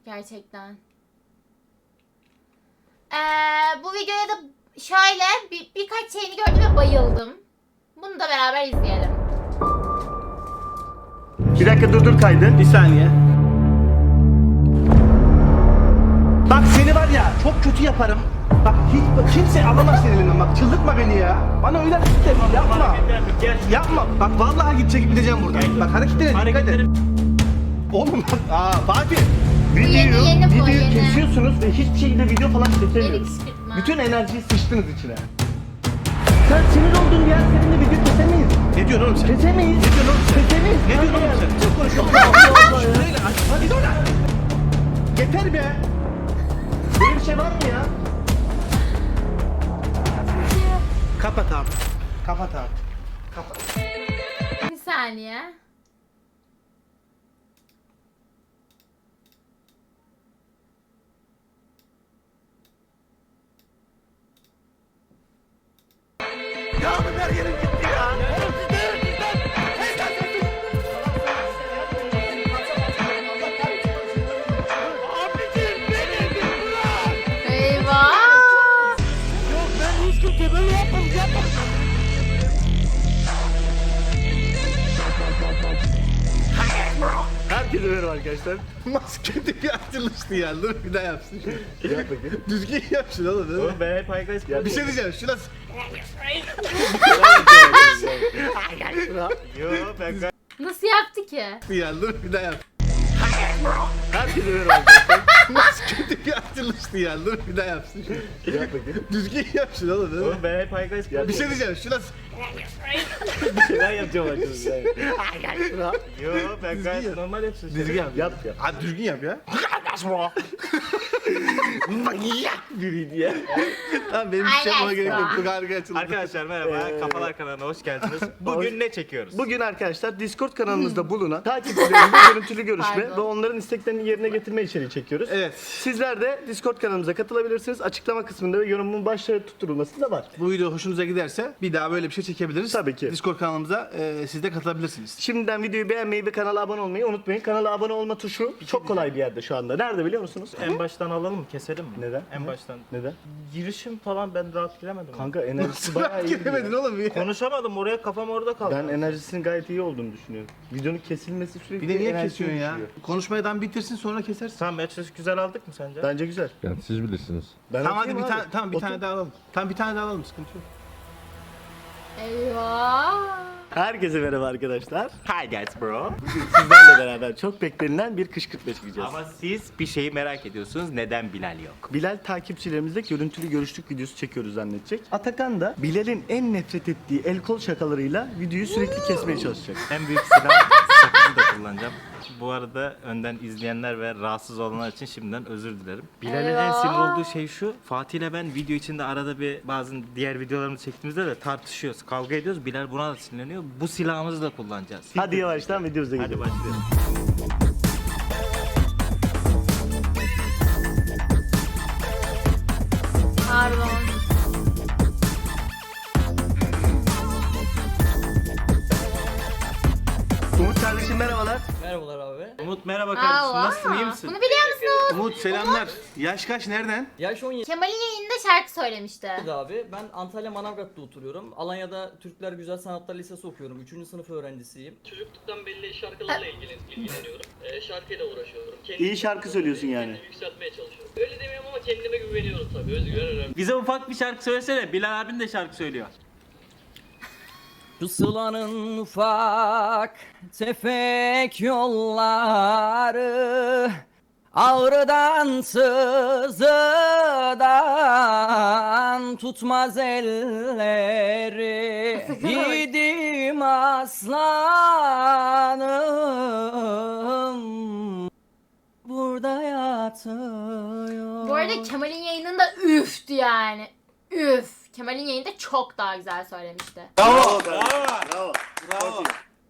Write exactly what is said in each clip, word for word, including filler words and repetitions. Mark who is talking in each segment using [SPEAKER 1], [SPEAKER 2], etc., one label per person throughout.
[SPEAKER 1] Gerçekten. Ee, bu videoya da şöyle bir, birkaç şeyini gördüm ve bayıldım. Bunu da beraber izleyelim.
[SPEAKER 2] Bir dakika durdur kaydı.
[SPEAKER 3] Bir saniye. Bak seni var ya çok kötü yaparım. Bak hiç bak, kimse alamaz senin elinden bak çıldırtma beni ya. Bana öyle hareketler yapma. Yapma. Bak vallahi gidecek gideceğim buradan. Bak hareketlerine dikkat et. Oğlum aa Fatih. Videoyu,
[SPEAKER 1] Yeni, yeni bu,
[SPEAKER 3] videoyu
[SPEAKER 1] yeni.
[SPEAKER 3] kesiyorsunuz ve hiçbir şekilde video falan
[SPEAKER 1] Yeni
[SPEAKER 3] çekemiyoruz.
[SPEAKER 1] kışkırtma.
[SPEAKER 3] Bütün enerjiyi sıçtınız içine. Sen sinir olduğun bir yer seninle video kesemeyiz. Ne diyorsun oğlum sen? Kesemeyiz. Ne diyorsun oğlum sen? Kesemeyiz. Ne diyorsun oğlum sen? Çok konuşuyorsun. Şurayla aç. Hadi dur lan. Yeter be. Böyle bir şey var mı ya? Kapat abi. Kapat abi. Kapat.
[SPEAKER 1] Bir saniye.
[SPEAKER 3] Ya oğlum her yerim gitti ya. Oğlum siz ne yapıyorsunuz? Abicim beni bir bırak.
[SPEAKER 1] Eyvah.
[SPEAKER 3] Yok ben hiç kimse böyle yapmam yapmam. Herkese merhaba arkadaşlar. Maskede bir açılıştı ya. Dur bir daha yapsın şunu. Yap bakayım. Düzgün yap şunu oğlum.
[SPEAKER 2] Oğlum ben hep Aygaz
[SPEAKER 3] Bir şey diyeceğim. Şuna...
[SPEAKER 2] Yo ben
[SPEAKER 1] Nasıl yaptı ki?
[SPEAKER 3] Ya dur bir daha yap. Herkese merhaba arkadaşlar. Maskede bir açılıştı ya. Dur bir daha yapsın şunu. Yap bakayım. Düzgün yap şunu oğlum.
[SPEAKER 2] Oğlum ben hep Aygaz
[SPEAKER 3] Bir şey diyeceğim. Şuna...
[SPEAKER 2] bir şeyler yapacağım arkadaşlar. Yo ben
[SPEAKER 3] Düzgün
[SPEAKER 2] gayet
[SPEAKER 3] yap.
[SPEAKER 2] normal yapıyorum.
[SPEAKER 3] Düzgün yap. Yap ya. Hadi düzgün yap ya. Manyak biriydi ya. Tamam benim hiç şey yapmama gerek yok. Çok harika açıldı.
[SPEAKER 2] Arkadaşlar merhaba, Kafalar kanalına hoş geldiniz. Bugün ne çekiyoruz?
[SPEAKER 3] Bugün arkadaşlar Discord kanalımızda bulunan takipçilerimizle görüntülü görüşme
[SPEAKER 1] Pardon.
[SPEAKER 3] ve onların isteklerini yerine getirme içeriği çekiyoruz. Evet. Sizler de Discord kanalımıza katılabilirsiniz. Açıklama kısmında ve yorumun başlığı tutturulması da var. Bu video hoşunuza giderse bir daha böyle bir şey çekebiliriz. Tabii ki. Discord kanalımıza e, siz de katılabilirsiniz. Şimdiden videoyu beğenmeyi ve kanala abone olmayı unutmayın. Kanala abone olma tuşu çok kolay bir yerde şu anda. Nerede biliyor musunuz?
[SPEAKER 2] En baştan alalım mı? Keselim mi?
[SPEAKER 3] Neden?
[SPEAKER 2] En
[SPEAKER 3] Ne?
[SPEAKER 2] baştan.
[SPEAKER 3] Neden?
[SPEAKER 2] Girişim falan ben rahat giremedim.
[SPEAKER 3] Kanka enerjisi bayağı iyi. Giremedin oğlum ya.
[SPEAKER 2] Konuşamadım oraya, kafam orada kaldı.
[SPEAKER 3] Ben enerjisinin gayet iyi olduğunu düşünüyorum. Videonun kesilmesi sürekli
[SPEAKER 4] Bir de niye
[SPEAKER 3] enerjisini
[SPEAKER 4] kesiyorsun ya?
[SPEAKER 3] düşürüyor.
[SPEAKER 4] Konuşmadan bitirsin sonra kesersin.
[SPEAKER 2] Sen Matrix güzel aldık mı sence?
[SPEAKER 3] Bence güzel.
[SPEAKER 5] Yani siz bilirsiniz.
[SPEAKER 3] Ben
[SPEAKER 4] Tamam hadi
[SPEAKER 3] atayım
[SPEAKER 4] bir
[SPEAKER 3] abi.
[SPEAKER 4] tane tamam bir
[SPEAKER 3] Otur.
[SPEAKER 4] tane daha alalım. Tamam bir tane daha alalım sıkıntı yok.
[SPEAKER 1] Eyvah.
[SPEAKER 3] Herkese merhaba arkadaşlar.
[SPEAKER 2] Hi guys bro.
[SPEAKER 3] Sizlerle beraber çok beklenilen bir kışkırtma çekeceğiz.
[SPEAKER 2] Ama siz bir şeyi merak ediyorsunuz. Neden Bilal yok?
[SPEAKER 3] Bilal takipçilerimizle görüntülü görüşlük videosu çekiyoruz zannedecek. Atakan da Bilal'in en nefret ettiği el kol şakalarıyla videoyu sürekli kesmeye çalışacak.
[SPEAKER 2] En büyük silah sakızı da kullanacağım. Bu arada önden izleyenler ve rahatsız olanlar için şimdiden özür dilerim. Bilal'in en
[SPEAKER 1] Eyvah.
[SPEAKER 2] sinir olduğu şey şu. Fatih ile ben video içinde arada bir bazı diğer videolarımızı çektiğimizde de tartışıyoruz. Kavga ediyoruz. Bilal buna da sinirleniyor. Bu silahımızı da kullanacağız.
[SPEAKER 3] Hadi yavaştan videomuza
[SPEAKER 2] Hadi
[SPEAKER 3] gidelim.
[SPEAKER 2] başlayalım.
[SPEAKER 1] Pardon.
[SPEAKER 3] Umut kardeşim merhabalar.
[SPEAKER 6] Merhabalar abi.
[SPEAKER 2] Umut merhaba
[SPEAKER 1] Aa,
[SPEAKER 2] kardeşim.
[SPEAKER 1] wow.
[SPEAKER 2] Nasılsın? İyi misin?
[SPEAKER 1] Bunu biliyor musunuz?
[SPEAKER 4] Umut selamlar. Yaş kaç nereden?
[SPEAKER 6] Yaş on yedi
[SPEAKER 1] Kemal'in yayında şarkı söylemişti.
[SPEAKER 6] abi. Ben Antalya Manavgat'ta oturuyorum. Alanya'da Türkler Güzel Sanatlar Lisesi okuyorum. üçüncü sınıf öğrencisiyim.
[SPEAKER 7] Çocukluktan belli şarkılarla ilgili ilgileniyorum. Ee, şarkıyla uğraşıyorum. Kendi
[SPEAKER 3] İyi şarkı söylüyorsun yani.
[SPEAKER 7] kendimi yükseltmeye çalışıyorum. Öyle demiyorum ama kendime güveniyorum tabii. Özgüven önemli.
[SPEAKER 2] Bize ufak bir şarkı söylesene. Bilal abin de şarkı söylüyor.
[SPEAKER 6] Şu sılanın ufak tefek yolları Ağrıdan sızıdan tutmaz elleri Yiğidim aslanım burada yatıyor.
[SPEAKER 1] Bu arada Kemal'in yayınında üftü yani. Üf. Kemal'in yayında çok daha güzel söylemişti.
[SPEAKER 3] Bravo. Bravo. Bravo.
[SPEAKER 4] Bravo.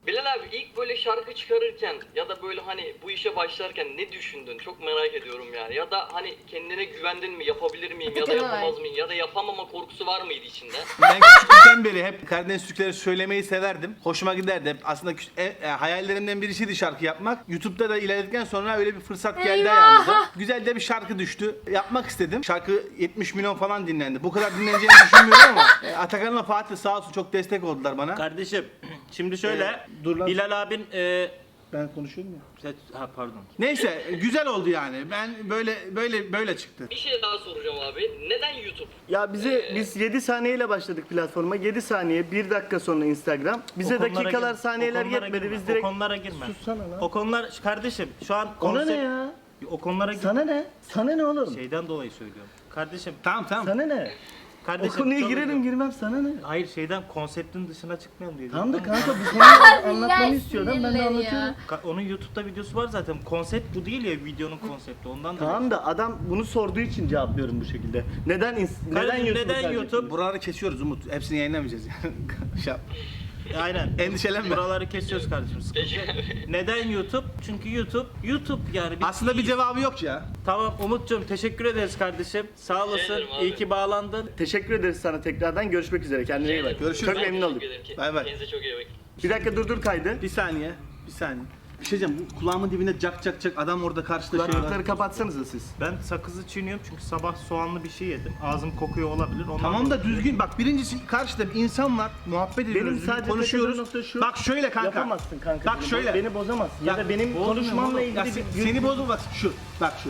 [SPEAKER 7] Bilal abi ilk böyle şarkı çıkarırken ya da böyle hani bu işe başlarken ne düşündün? Çok merak ediyorum yani. Ya da hani kendine güvendin mi? Yapabilir miyim ya da
[SPEAKER 1] Hakikaten
[SPEAKER 7] yapamaz
[SPEAKER 1] var.
[SPEAKER 7] mıyım? Ya da yapamama korkusu var mıydı içinde?
[SPEAKER 4] Ben küçüklükten beri hep Karadeniz türküleri söylemeyi severdim. Hoşuma giderdi. Hep aslında küç- e, e, hayallerimden birisiydi şarkı yapmak. YouTube'da da ilerledikten sonra öyle bir fırsat geldi
[SPEAKER 1] Eyvah!
[SPEAKER 4] ayağımıza. Güzel de bir şarkı düştü. Yapmak istedim. Şarkı yetmiş milyon falan dinlendi. Bu kadar dinleneceğini düşünmüyorum ama e, Atakan'la Fatih sağ olsun çok destek oldular bana.
[SPEAKER 2] Kardeşim şimdi şöyle
[SPEAKER 4] Ee, dur lan.
[SPEAKER 2] Bilal abin e,
[SPEAKER 4] Ben konuşuyorum ya.
[SPEAKER 2] sen- ha pardon.
[SPEAKER 4] Neyse güzel oldu yani. Ben böyle böyle böyle çıktı.
[SPEAKER 7] Bir şey daha soracağım abi. Neden YouTube?
[SPEAKER 3] Ya bize biz yedi saniyeyle başladık platforma. yedi saniye, bir dakika sonra Instagram. Bize
[SPEAKER 2] O konulara
[SPEAKER 3] dakikalar,
[SPEAKER 2] girme,
[SPEAKER 3] saniyeler
[SPEAKER 2] o konulara
[SPEAKER 3] yetmedi.
[SPEAKER 2] girme,
[SPEAKER 3] Biz direkt
[SPEAKER 2] O konulara girme.
[SPEAKER 3] Sussana lan.
[SPEAKER 2] O konular kardeşim şu an
[SPEAKER 3] Ona
[SPEAKER 2] konsept...
[SPEAKER 3] ne ya?
[SPEAKER 2] O konulara girme.
[SPEAKER 3] Sana ne? Sana ne oğlum?
[SPEAKER 2] Şeyden dolayı söylüyorum. Kardeşim,
[SPEAKER 4] Tamam tamam.
[SPEAKER 3] Sana ne? O
[SPEAKER 2] kardeşim.
[SPEAKER 3] konuya
[SPEAKER 2] çok
[SPEAKER 3] girerim
[SPEAKER 2] özür-
[SPEAKER 3] girmem sana ne?
[SPEAKER 2] Hayır şeyden konseptin dışına çıkmayalım diye.
[SPEAKER 3] Tamam da
[SPEAKER 2] diyorum.
[SPEAKER 3] kanka bu konuyu anlatmamı
[SPEAKER 1] Yer
[SPEAKER 3] istiyorlar. Ben de
[SPEAKER 1] sinirleri
[SPEAKER 3] anlatıyorum.
[SPEAKER 1] ya.
[SPEAKER 2] Ka- Onun YouTube'da videosu var zaten. Konsept bu değil ya videonun konsepti. Ondan dolayı.
[SPEAKER 3] Tamam da adam bunu sorduğu için cevaplıyorum bu şekilde. Neden ins- neden
[SPEAKER 2] Kardeşim,
[SPEAKER 3] YouTube?
[SPEAKER 2] neden YouTube?
[SPEAKER 4] Buraları kesiyoruz Umut. Hepsini yayınlamayacağız yani. Şey yap.
[SPEAKER 2] Aynen.
[SPEAKER 4] Endişelenme.
[SPEAKER 2] Buraları kesiyoruz kardeşim. Sıkıntı yok. Neden YouTube? Çünkü YouTube, YouTube yani. Bir
[SPEAKER 4] Aslında bir cevabı yok ya.
[SPEAKER 2] Tamam Umut'cum teşekkür ederiz kardeşim. Sağ olasın.
[SPEAKER 7] ederim abi.
[SPEAKER 2] İyi ki bağlandın.
[SPEAKER 3] Teşekkür ederiz sana tekrardan. Görüşmek üzere. Kendine iyi bak.
[SPEAKER 4] Görüşürüz.
[SPEAKER 3] Çok memnun olduk.
[SPEAKER 7] Teşekkür ederim.
[SPEAKER 4] Bay bay.
[SPEAKER 7] Kendinize çok iyi bakın.
[SPEAKER 3] Bir dakika durdur kaydı.
[SPEAKER 4] Bir saniye. Bir saniye. Bir şey diyeceğim. Bu kulağımın dibinde cak cak cak adam orada karşıda şey var.
[SPEAKER 3] Kulaklıkları kapatsanıza siz.
[SPEAKER 2] Ben sakızı çiğniyorum çünkü sabah soğanlı bir şey yedim. Ağzım kokuyor olabilir. Ondan
[SPEAKER 4] Tamam da
[SPEAKER 2] dolayı-
[SPEAKER 4] düzgün bak birincisi karşıda bir insan var muhabbet ediyoruz
[SPEAKER 3] Benim
[SPEAKER 4] düzgün
[SPEAKER 3] sadece
[SPEAKER 4] konuşuyoruz.
[SPEAKER 3] takıldığım nokta şu,
[SPEAKER 4] Bak şöyle kanka.
[SPEAKER 3] Yapamazsın kanka.
[SPEAKER 4] Bak
[SPEAKER 3] bunu.
[SPEAKER 4] şöyle.
[SPEAKER 3] Beni bozamazsın. Ya,
[SPEAKER 4] Ya
[SPEAKER 3] da benim
[SPEAKER 2] bozmuyorum
[SPEAKER 3] konuşmamla
[SPEAKER 2] oğlum.
[SPEAKER 3] ilgili
[SPEAKER 4] Ya
[SPEAKER 3] bir
[SPEAKER 4] se- seni bozma bak şu bak şu.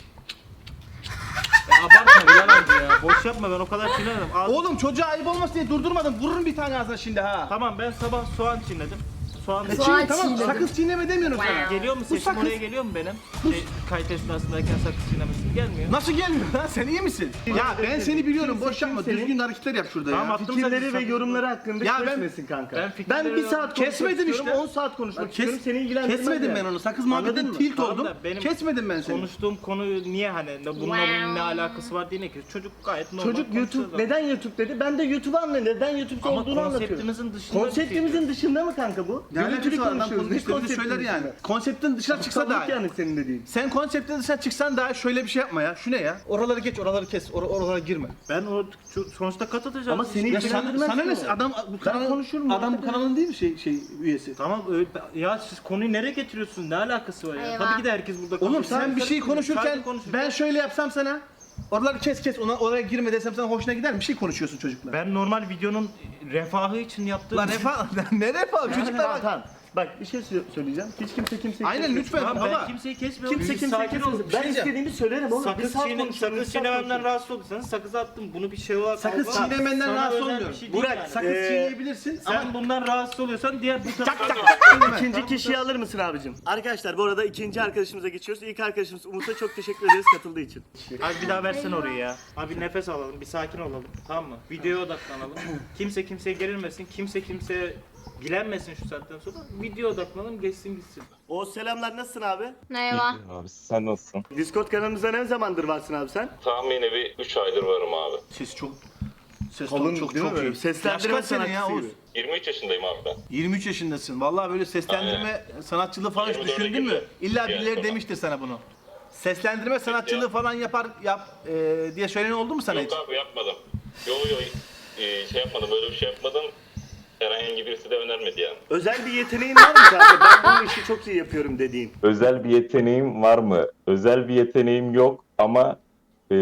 [SPEAKER 2] Ya abartma Bilal abi ya. Boş yapma ben o kadar çiğnemedim. Ağzım-
[SPEAKER 4] Oğlum çocuğa ayıp olmasın diye durdurmadım. Vururum bir tane ağzına şimdi ha.
[SPEAKER 2] Tamam ben sabah soğan çiğnedim. Soğan
[SPEAKER 4] E,
[SPEAKER 1] Soğan
[SPEAKER 4] çiğne, tamam
[SPEAKER 1] çiğnedim.
[SPEAKER 4] sakız çiğneme demiyorum sana.
[SPEAKER 2] Geliyor mu
[SPEAKER 4] Bu
[SPEAKER 2] sesim
[SPEAKER 4] sakız-
[SPEAKER 2] oraya geliyor mu benim? Şey, kayıt esnasındayken sakız çiğnemesi gelmiyor.
[SPEAKER 4] Nasıl gelmiyor lan sen iyi misin? Ya ben seni biliyorum boş yapma
[SPEAKER 3] kimsenin-
[SPEAKER 4] düzgün hareketler yap şurada
[SPEAKER 2] Tamam,
[SPEAKER 4] ya.
[SPEAKER 2] attım
[SPEAKER 3] Fikirleri
[SPEAKER 2] zaten
[SPEAKER 3] ve
[SPEAKER 2] sakız-
[SPEAKER 3] yorumları hakkında
[SPEAKER 4] Ya ben-
[SPEAKER 3] kesmesin kanka.
[SPEAKER 2] ben
[SPEAKER 3] Ben,
[SPEAKER 2] fikirleri
[SPEAKER 3] bir saat konuşmak
[SPEAKER 4] Kesmedim
[SPEAKER 3] istiyorum,
[SPEAKER 4] işte.
[SPEAKER 3] on saat konuşmak
[SPEAKER 4] Kes-
[SPEAKER 3] istiyorum. Seni ilgilendirmez
[SPEAKER 4] Kesmedim
[SPEAKER 3] yani.
[SPEAKER 4] ben onu. Sakız
[SPEAKER 3] Anladın
[SPEAKER 4] muhabbetin
[SPEAKER 3] mı?
[SPEAKER 4] tilt
[SPEAKER 2] Tamam
[SPEAKER 4] oldum.
[SPEAKER 2] da benim
[SPEAKER 4] Kesmedim ben seni.
[SPEAKER 2] Konuştuğum konu niye hani ne- bunların ne alakası var diye ne ki? Çocuk gayet normal
[SPEAKER 3] Çocuk
[SPEAKER 2] konuşuyor
[SPEAKER 3] YouTube,
[SPEAKER 2] zaten.
[SPEAKER 3] neden YouTube dedi? Ben de YouTube'u anladım. Neden YouTube
[SPEAKER 2] Ama
[SPEAKER 3] olduğunu anlatıyorum.
[SPEAKER 2] konseptimizin dışında bir
[SPEAKER 3] Konseptimizin
[SPEAKER 2] şey.
[SPEAKER 3] dışında mı kanka bu?
[SPEAKER 4] Ne alakası
[SPEAKER 3] Görüntülü
[SPEAKER 4] var adam
[SPEAKER 3] konuşuyoruz. Ne
[SPEAKER 4] konuştuğunu
[SPEAKER 3] konseptin
[SPEAKER 4] söyler yani.
[SPEAKER 3] dışında?
[SPEAKER 4] Konseptin dışına çıksa
[SPEAKER 3] Aptallık
[SPEAKER 4] daha iyi.
[SPEAKER 3] yani senin dediğin.
[SPEAKER 4] Sen konseptin dışına çıksan daha şöyle bir şey yapma ya. Şu ne ya? Oraları geç, oraları kes, or oralara girme.
[SPEAKER 2] Ben o şu- sonuçta katılacağım.
[SPEAKER 3] Ama seni
[SPEAKER 4] Ya
[SPEAKER 3] ilgilendirmez
[SPEAKER 4] sana, sana
[SPEAKER 3] ki
[SPEAKER 4] ne?
[SPEAKER 3] o.
[SPEAKER 4] Adam bu kanalın
[SPEAKER 3] konuşurum,
[SPEAKER 4] Adam bu
[SPEAKER 3] muhabbet
[SPEAKER 4] kanalın değil mi şey şey üyesi?
[SPEAKER 2] Tamam öyle, ya siz konuyu nereye getiriyorsunuz? Ne alakası var ya?
[SPEAKER 1] Eyvah.
[SPEAKER 2] Tabii ki de herkes burada
[SPEAKER 4] Oğlum
[SPEAKER 2] konuşuyor.
[SPEAKER 4] sen bir şey konuşurken
[SPEAKER 2] Sadece konuşurken-
[SPEAKER 4] ben şöyle yapsam sana oraları kes kes ona oraya girme desem sana hoşuna gider mi? Bir şey konuşuyorsun çocukla.
[SPEAKER 2] Ben normal videonun refahı için yaptığım
[SPEAKER 4] Lan
[SPEAKER 2] için-
[SPEAKER 4] refah ne refah çocuklar
[SPEAKER 3] Tamam,
[SPEAKER 4] bak.
[SPEAKER 3] tamam. Bak bir şey sö- söyleyeceğim. Hiç kimse kimseyi
[SPEAKER 4] Aynen
[SPEAKER 3] kesmesin.
[SPEAKER 4] lütfen
[SPEAKER 2] Tamam, ben
[SPEAKER 4] baba.
[SPEAKER 2] kimseyi kesmiyorum.
[SPEAKER 3] Kimse
[SPEAKER 2] Siz
[SPEAKER 3] kimseyi
[SPEAKER 2] sakin
[SPEAKER 3] kesmesin.
[SPEAKER 2] olun.
[SPEAKER 3] Ben
[SPEAKER 4] şey diyeceğim.
[SPEAKER 3] istediğimi söylerim oğlum. Bir
[SPEAKER 2] Sakız,
[SPEAKER 3] saat
[SPEAKER 2] çiğne,
[SPEAKER 3] konuşuyorum,
[SPEAKER 2] sakız
[SPEAKER 3] bir saat
[SPEAKER 2] çiğnememden
[SPEAKER 3] konuşuyorum.
[SPEAKER 2] rahatsız olduysanız sakız attım. Bunu bir şey olarak
[SPEAKER 4] Sakız
[SPEAKER 2] algıla.
[SPEAKER 4] çiğnemenden
[SPEAKER 2] Sana
[SPEAKER 4] rahatsız
[SPEAKER 2] özel bir
[SPEAKER 4] olmuyorum.
[SPEAKER 2] şey değil
[SPEAKER 3] Burak,
[SPEAKER 2] yani.
[SPEAKER 4] Sakız
[SPEAKER 3] Ee,
[SPEAKER 4] çiğneyebilirsin
[SPEAKER 2] Sen
[SPEAKER 4] ama
[SPEAKER 2] bundan rahatsız oluyorsan diğer bu tarafa
[SPEAKER 3] İkinci kişiyi alır mısın abicim? Arkadaşlar bu arada ikinci arkadaşımıza geçiyoruz. İlk arkadaşımız Umut'a çok teşekkür ederiz katıldığı için.
[SPEAKER 2] Abi bir daha versene orayı ya. Abi nefes alalım, bir sakin olalım. Tamam mı? Videoya odaklanalım. Kimse kimseye gerilmesin, kimse kimseye dilenmesin şu saatten sonra. Videoya odaklanalım, geçsin gitsin.
[SPEAKER 3] O selamlar, nasılsın abi?
[SPEAKER 1] Eyvah.
[SPEAKER 5] Abi sen nasılsın?
[SPEAKER 3] Discord kanalımızda ne zamandır varsın abi sen?
[SPEAKER 5] Tahmini bir üç aydır varım abi.
[SPEAKER 4] ses çok ses
[SPEAKER 3] Kalın,
[SPEAKER 4] tonu çok
[SPEAKER 3] değil mi
[SPEAKER 4] çok
[SPEAKER 3] böyle?
[SPEAKER 4] iyi.
[SPEAKER 3] Seslendirme
[SPEAKER 4] Yaş kaç senin ya
[SPEAKER 3] sanatçısı
[SPEAKER 4] Oğuz?
[SPEAKER 3] gibi.
[SPEAKER 5] yirmi üç yaşındayım abi ben.
[SPEAKER 4] yirmi üç yaşındasın. Vallahi böyle seslendirme sanatçılığı falan hiç
[SPEAKER 5] yirmi dörde
[SPEAKER 4] düşündün mü?
[SPEAKER 5] gireceğim.
[SPEAKER 4] İlla
[SPEAKER 5] Bir ay
[SPEAKER 4] birileri
[SPEAKER 5] sonra.
[SPEAKER 4] demiştir sana bunu. Seslendirme sanatçılığı falan yapar yap e, diye söyleyen oldu mu sana hiç?
[SPEAKER 5] Yok abi yapmadım. Yo yo e, şey yapmadım, böyle bir şey yapmadım. Herhangi birisi de önermedi yani.
[SPEAKER 3] Özel bir yeteneğin var mı kanka? Ben bu işi çok iyi yapıyorum dediğin.
[SPEAKER 5] Özel bir yeteneğim var mı? Özel bir yeteneğim yok ama e,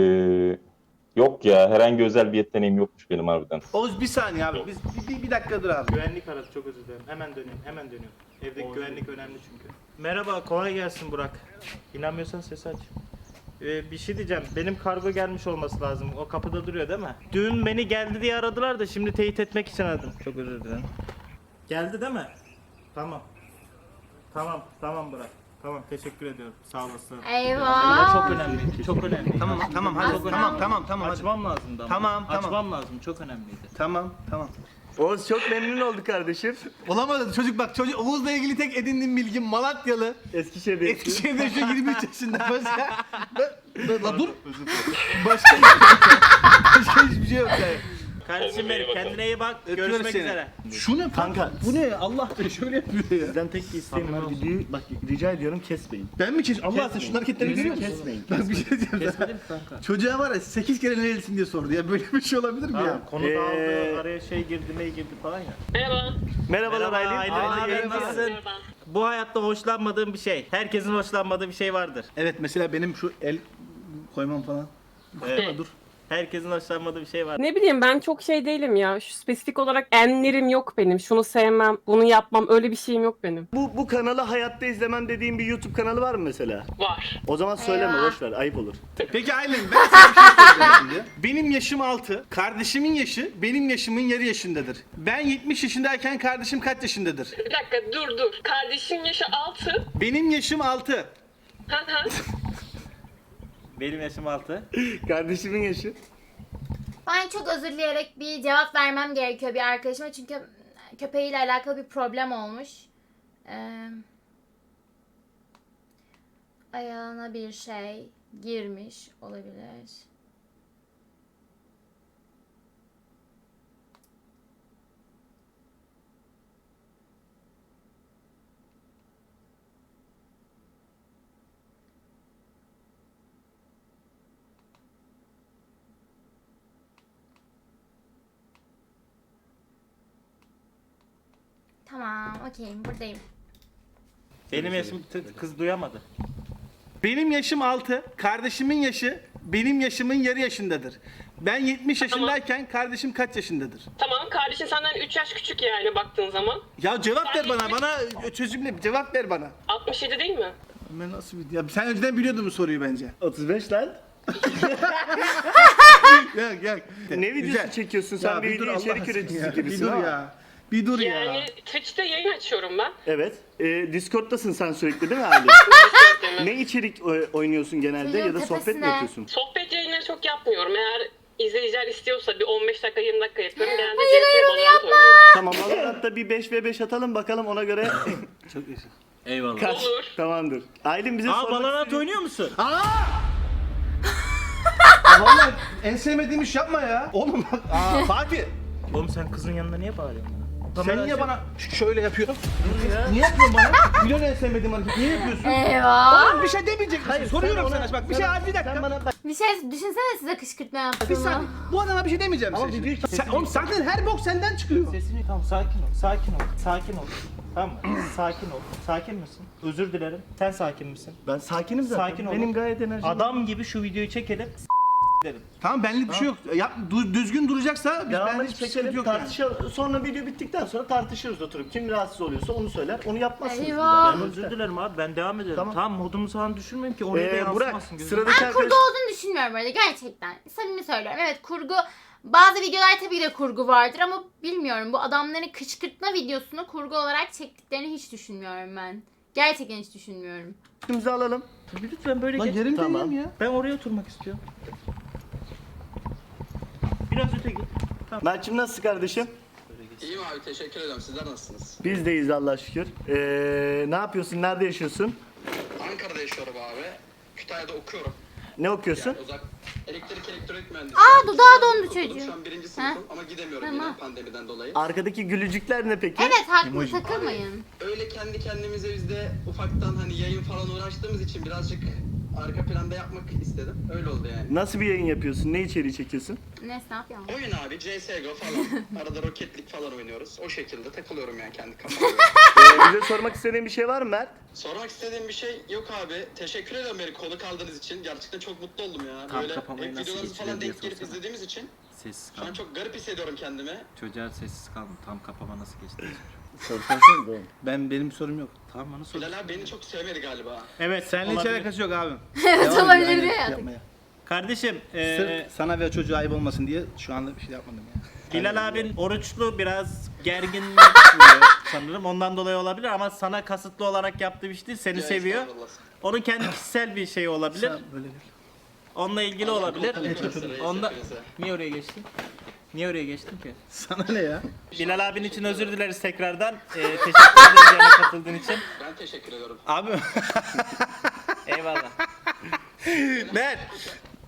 [SPEAKER 5] yok ya, herhangi özel bir yeteneğim yokmuş benim harbiden.
[SPEAKER 4] Oğuz bir saniye abi. Biz bir, bir, bir dakika dur abi.
[SPEAKER 2] Güvenlik aradı, çok özür dilerim. Hemen dönüyorum, hemen dönüyorum. Evdeki güvenlik önemli çünkü. Merhaba, kolay gelsin Burak. İnanmıyorsan ses aç. Ee, bir şey diyeceğim, benim kargo gelmiş olması lazım. O kapıda duruyor değil mi? Dün beni geldi diye aradılar da şimdi teyit etmek için aradım. Çok özür dilerim. Geldi değil mi? Tamam. Tamam, tamam Burak. Tamam, teşekkür ediyorum. Sağ olasın.
[SPEAKER 1] Eyvah.
[SPEAKER 2] Çok önemli, çok önemli.
[SPEAKER 4] Tamam tamam hadi
[SPEAKER 2] Çok
[SPEAKER 4] tamam
[SPEAKER 2] önemli.
[SPEAKER 4] tamam tamam hadi.
[SPEAKER 2] Açmam lazımdı ama.
[SPEAKER 4] Tamam, tamam.
[SPEAKER 2] Açmam lazım, çok önemliydi.
[SPEAKER 4] Tamam tamam.
[SPEAKER 3] Oğuz çok memnun olduk kardeşim.
[SPEAKER 4] Olamadı çocuk bak çocuk Oğuz'la ilgili tek edindiğim bilgim Malatyalı.
[SPEAKER 3] Eskişehir'de yaşıyor.
[SPEAKER 4] Eskişehir'de şu yirmi üç yaşında. Başka... La dur. Başka, başka hiçbir şey yok yani.
[SPEAKER 2] Kardeşim benim kendine iyi bak.
[SPEAKER 4] Öpüyorum
[SPEAKER 2] Görüşmek
[SPEAKER 4] seni.
[SPEAKER 2] üzere.
[SPEAKER 3] Şu ne kanka?
[SPEAKER 4] Bu ne? Allah be şöyle yapıyor ya.
[SPEAKER 3] Sizden tek bir isteğim var. Videoyu bak rica ediyorum kesmeyin.
[SPEAKER 4] Ben mi kes? Allah aşkına şu hareketleri görüyor musun?
[SPEAKER 3] Kesmeyin.
[SPEAKER 4] Bak bir şey diyeceğim.
[SPEAKER 2] Kesmedin mi kanka?
[SPEAKER 4] Çocuğa var ya sekiz kere nerelisin diye sordu ya. Böyle bir şey olabilir mi ya?
[SPEAKER 2] Tamam, konu
[SPEAKER 3] Ee,
[SPEAKER 2] dağıldı, araya şey girdi, mail girdi falan ya.
[SPEAKER 8] Merhaba.
[SPEAKER 3] Merhabalar
[SPEAKER 2] Merhaba,
[SPEAKER 3] Aylin.
[SPEAKER 2] Aylin.
[SPEAKER 3] Aylin
[SPEAKER 2] Abi,
[SPEAKER 3] yayında.
[SPEAKER 2] nasılsın?
[SPEAKER 8] Merhaba.
[SPEAKER 2] Bu hayatta hoşlanmadığım bir şey. Herkesin hoşlanmadığı bir şey vardır.
[SPEAKER 4] Evet mesela benim şu el koymam falan.
[SPEAKER 2] Evet.
[SPEAKER 4] Dur.
[SPEAKER 2] Herkesin hoşlanmadığı bir şey var.
[SPEAKER 9] Ne bileyim ben çok şey değilim ya. Şu spesifik olarak enlerim yok benim. Şunu sevmem, bunu yapmam. Öyle bir şeyim yok benim.
[SPEAKER 3] Bu, bu kanalı hayatta izlemem dediğim bir YouTube kanalı var mı mesela?
[SPEAKER 8] Var.
[SPEAKER 3] O zaman söyleme
[SPEAKER 1] Eyvah.
[SPEAKER 3] boş ver ayıp olur.
[SPEAKER 4] Peki Aylin ben sana bir şey soracağım şimdi. Benim yaşım altı, kardeşimin yaşı benim yaşımın yarı yaşındadır. Ben yetmiş yaşındayken kardeşim kaç yaşındadır?
[SPEAKER 8] Bir dakika dur dur. Kardeşin yaşı altı.
[SPEAKER 4] Benim yaşım altı.
[SPEAKER 8] Hı hı.
[SPEAKER 2] Benim yaşım altı.
[SPEAKER 3] Kardeşimin yaşı.
[SPEAKER 1] Ben çok özür dileyerek bir cevap vermem gerekiyor bir arkadaşıma çünkü köpeğiyle alakalı bir problem olmuş. Ee, ayağına bir şey girmiş olabilir. Tamam, okeyim, buradayım.
[SPEAKER 2] Benim yaşım kız duyamadı.
[SPEAKER 4] Benim yaşım altı, kardeşimin yaşı benim yaşımın yarı yaşındadır. Ben yetmiş yaşındayken kardeşim kaç yaşındadır?
[SPEAKER 8] Tamam kardeşin senden üç yaş küçük yani baktığın zaman.
[SPEAKER 4] Ya cevap ver bana, bana çözümle cevap ver bana.
[SPEAKER 8] altmış yedi değil mi?
[SPEAKER 4] Ben nasıl bir... Ya sen önceden biliyordun bu soruyu bence.
[SPEAKER 3] otuz beş lan.
[SPEAKER 4] Yok yok.
[SPEAKER 3] Ne videosu
[SPEAKER 4] Güzel.
[SPEAKER 3] çekiyorsun sen?
[SPEAKER 4] Ya
[SPEAKER 3] bir
[SPEAKER 4] dur
[SPEAKER 3] video
[SPEAKER 4] Allah
[SPEAKER 3] içerik
[SPEAKER 4] aşkına
[SPEAKER 3] üreticisi
[SPEAKER 4] ya.
[SPEAKER 3] gibisin
[SPEAKER 4] Bir dur
[SPEAKER 3] ama.
[SPEAKER 4] ya. Bir dur ya.
[SPEAKER 8] Yani Twitch'te yayın açıyorum ben.
[SPEAKER 3] Evet. Ee, Discord'tasın sen sürekli değil mi Aylin? Ne içerik o- oynuyorsun genelde ya da
[SPEAKER 1] Çocuğun
[SPEAKER 3] sohbet mi
[SPEAKER 1] tepesine.
[SPEAKER 3] yapıyorsun?
[SPEAKER 8] Sohbet yayınları çok yapmıyorum. Eğer izleyiciler istiyorsa bir on beş dakika yirmi dakika yapıyorum. Genelde
[SPEAKER 1] Hayır,
[SPEAKER 8] C S
[SPEAKER 1] hayır, onu
[SPEAKER 8] Valorant
[SPEAKER 1] yapma.
[SPEAKER 8] oynuyorum.
[SPEAKER 3] Tamam Valorant'ta bir beş ve beş atalım bakalım ona göre
[SPEAKER 4] Çok yaşa.
[SPEAKER 2] Eyvallah.
[SPEAKER 3] kaç.
[SPEAKER 8] Olur.
[SPEAKER 3] Tamamdır. Aylin bize
[SPEAKER 2] Aa
[SPEAKER 3] sormak
[SPEAKER 2] Valorant
[SPEAKER 3] istediğin-
[SPEAKER 2] oynuyor musun?
[SPEAKER 4] Ya vallahi en sevmediğim iş yapma ya. Oğlum bak. Aa, Fatih.
[SPEAKER 2] Oğlum sen kızın yanında niye bağırıyorsun?
[SPEAKER 4] Sen niye bana ş- şöyle yapıyorsun? Niye yapıyorsun bana? Biliyorsun en sevmediğim hareket. Niye yapıyorsun?
[SPEAKER 1] Eyvah.
[SPEAKER 4] Oğlum bir şey demeyecek misin? Soruyorum
[SPEAKER 3] Sen ona-
[SPEAKER 4] sana. Bak bir şey abi bir dakika.
[SPEAKER 3] Sen bana bak.
[SPEAKER 1] Bir şey düşünsene size kışkırtma
[SPEAKER 4] Bir
[SPEAKER 1] yaptığımı.
[SPEAKER 4] saniye. Bu adama bir şey demeyeceğim
[SPEAKER 3] Ama
[SPEAKER 4] sen
[SPEAKER 3] video-
[SPEAKER 4] şimdi. Sen, oğlum zaten her bok senden çıkıyor.
[SPEAKER 2] Sesini tamam sakin ol. Sakin ol. Sakin ol. Tamam mı? Sakin ol. Sakin misin? Özür dilerim. Sen sakin misin?
[SPEAKER 3] Ben sakinim zaten.
[SPEAKER 2] Sakin ol.
[SPEAKER 3] Benim gayet enerjim.
[SPEAKER 2] Adam gibi şu videoyu çekelim. Derim.
[SPEAKER 4] Tamam benlik bir şey yok. Yap, du- düzgün duracaksa biz
[SPEAKER 3] Devam
[SPEAKER 4] bende
[SPEAKER 3] edip
[SPEAKER 4] hiçbir sıkıntı
[SPEAKER 3] çekelim
[SPEAKER 4] yok yani.
[SPEAKER 3] tartışalım. Sonra video bittikten sonra tartışırız oturup. Kim rahatsız oluyorsa onu söyler. Onu yapmazsınız. bir
[SPEAKER 1] Eyvah.
[SPEAKER 3] daha.
[SPEAKER 2] Ben
[SPEAKER 3] Yani
[SPEAKER 2] özür dilerim abi ben devam ederim.
[SPEAKER 3] Tamam.
[SPEAKER 2] Tamam, modumu sana düşürmeyeyim ki oraya da
[SPEAKER 3] Ee, Burak
[SPEAKER 2] yansımasın gözüm.
[SPEAKER 3] sıradaki
[SPEAKER 1] Ben kurgu
[SPEAKER 3] arkadaş...
[SPEAKER 1] olduğunu düşünmüyorum böyle gerçekten. Samimi söylüyorum. Evet kurgu bazı videolar tabii de kurgu vardır ama bilmiyorum. Bu adamların kışkırtma videosunu kurgu olarak çektiklerini hiç düşünmüyorum ben. Gerçekten hiç düşünmüyorum.
[SPEAKER 3] Şimdi alalım.
[SPEAKER 2] Lütfen böyle
[SPEAKER 4] Lan
[SPEAKER 2] geç.
[SPEAKER 4] yerim
[SPEAKER 3] Tamam.
[SPEAKER 4] demeyeyim ya.
[SPEAKER 2] Ben oraya oturmak istiyorum. Biraz öte git.
[SPEAKER 3] Mert'cim nasılsın kardeşim?
[SPEAKER 10] İyiyim abi teşekkür ederim. Sizler nasılsınız?
[SPEAKER 3] Biz deyiz Allah'a şükür. Ee, ne yapıyorsun? Nerede yaşıyorsun?
[SPEAKER 10] Ankara'da yaşıyorum abi. Kütahya'da okuyorum.
[SPEAKER 3] Ne okuyorsun?
[SPEAKER 10] Yani uzak elektrik elektronik mühendisliği.
[SPEAKER 1] Aa, dudağı dondu
[SPEAKER 10] Okudum,
[SPEAKER 1] çocuğun.
[SPEAKER 10] Şu an birinci sınıfım ama gidemiyorum
[SPEAKER 1] Tamam.
[SPEAKER 10] yine pandemiden dolayı.
[SPEAKER 3] Arkadaki gülücükler ne peki?
[SPEAKER 1] Evet haklı takılmayın.
[SPEAKER 10] Öyle kendi kendimize biz de ufaktan hani yayın falan uğraştığımız için birazcık arka planda yapmak istedim. Öyle oldu yani.
[SPEAKER 3] Nasıl bir yayın yapıyorsun? Ne içeriği çekiyorsun?
[SPEAKER 1] Ne snap ya?
[SPEAKER 10] Oyun abi C S G O falan. Arada roketlik falan oynuyoruz. O şekilde takılıyorum yani kendi kafamda.
[SPEAKER 3] Ee, bize sormak istediğin bir şey var mı Mert?
[SPEAKER 10] Sormak istediğim bir şey yok abi. Teşekkür ederim beni konuk aldığınız için. Gerçekten çok mutlu oldum ya.
[SPEAKER 2] Tam
[SPEAKER 10] Böyle
[SPEAKER 2] kapamayı
[SPEAKER 10] hep
[SPEAKER 2] nasıl
[SPEAKER 10] videolarınızı falan
[SPEAKER 2] geçiriyor
[SPEAKER 10] denk
[SPEAKER 2] diye
[SPEAKER 10] gelip
[SPEAKER 2] sorsana.
[SPEAKER 10] izlediğimiz için
[SPEAKER 2] Sessiz
[SPEAKER 10] şu an çok garip hissediyorum kendimi.
[SPEAKER 2] Çocuğa sessiz kaldım. Tam kapama nasıl geçti?
[SPEAKER 4] Ben benim bir sorum yok.
[SPEAKER 2] Tamam bana sor.
[SPEAKER 10] Bilal abi beni çok sevmedi galiba.
[SPEAKER 2] Evet
[SPEAKER 4] Seninle hiç
[SPEAKER 2] olabilir.
[SPEAKER 4] alakası yok abim.
[SPEAKER 1] Evet
[SPEAKER 4] Devam
[SPEAKER 1] olabilir
[SPEAKER 4] ediyor,
[SPEAKER 1] diyor
[SPEAKER 4] aynen,
[SPEAKER 1] ya.
[SPEAKER 4] yapmaya.
[SPEAKER 2] Kardeşim ee,
[SPEAKER 4] Sırf sana ve çocuğa ayıp olmasın diye şu anda bir şey yapmadım ya.
[SPEAKER 2] Bilal abin oruçlu biraz gerginlik duyuyor sanırım. Ondan dolayı olabilir ama sana kasıtlı olarak yaptığı bir şey değil. Seni
[SPEAKER 10] Ya
[SPEAKER 2] seviyor.
[SPEAKER 10] estağfurullah.
[SPEAKER 2] Onun kendi kişisel bir şey olabilir.
[SPEAKER 4] Sen böyle bir...
[SPEAKER 2] Onunla ilgili olabilir.
[SPEAKER 10] Reis
[SPEAKER 2] Onda
[SPEAKER 10] hepinize.
[SPEAKER 2] niye oraya geçtin? Niye oraya geçtin ki?
[SPEAKER 4] Sana ne ya?
[SPEAKER 2] Bilal abin için özür dileriz tekrardan. Ee, teşekkür ederiz yanına katıldığın için.
[SPEAKER 10] Ben teşekkür ediyorum.
[SPEAKER 4] Abi
[SPEAKER 2] Eyvallah.
[SPEAKER 4] ben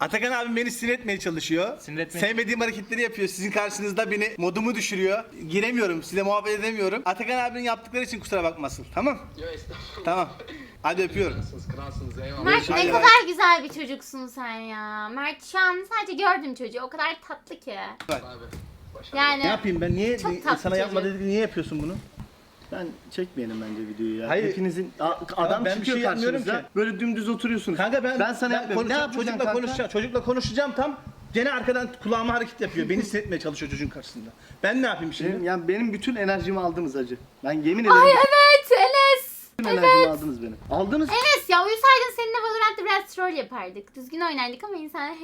[SPEAKER 4] Atakan abim beni sinir etmeye çalışıyor.
[SPEAKER 2] Sinir etmeye-
[SPEAKER 4] Sevmediğim hareketleri yapıyor. Sizin karşınızda beni modumu düşürüyor. Giremiyorum. Size muhabbet edemiyorum. Atakan abinin yaptıkları için kusura bakmasın. Tamam?
[SPEAKER 10] Yo estağfurullah.
[SPEAKER 4] Tamam. Hadi öpüyorum.
[SPEAKER 10] Kralsınız, kralsınız, eyvallah.
[SPEAKER 1] Mert ne
[SPEAKER 4] Hadi bay.
[SPEAKER 1] kadar güzel bir çocuksun sen ya. Mert şu an sadece gördüm çocuğu. O kadar tatlı ki.
[SPEAKER 10] Abi. Başarılı.
[SPEAKER 1] Yani
[SPEAKER 4] Ne yapayım ben? Niye
[SPEAKER 1] Çok tatlı
[SPEAKER 4] sana yapma
[SPEAKER 1] çocuk.
[SPEAKER 4] dedik? Niye yapıyorsun bunu?
[SPEAKER 3] Ben çekmeyelim bence videoyu ya.
[SPEAKER 4] Hayır.
[SPEAKER 3] Hepinizin A- adam
[SPEAKER 4] ben bir
[SPEAKER 3] çıkıyor
[SPEAKER 4] şey yapmıyorum
[SPEAKER 3] karşınıza.
[SPEAKER 4] ki.
[SPEAKER 3] Böyle dümdüz oturuyorsunuz.
[SPEAKER 4] Kanka ben
[SPEAKER 3] ben sana yapmıyorum. Ne
[SPEAKER 4] konuşacağım,
[SPEAKER 3] yapacaksın
[SPEAKER 4] çocukla
[SPEAKER 3] kanka?
[SPEAKER 4] konuşacağım. Çocukla konuşacağım tam. Gene arkadan kulağıma hareket yapıyor. Beni sinir etmeye çalışıyor çocuğun karşısında. Ben ne yapayım şimdi?
[SPEAKER 3] Benim, yani benim bütün enerjimi aldınız acı. Ben yemin ederim
[SPEAKER 1] ay evet Enes.
[SPEAKER 3] bütün enerjimi aldınız benim. Aldınız.
[SPEAKER 1] Enes ya uyusaydın seninle Valorant'ta biraz troll yapardık. Düzgün oynardık ama insan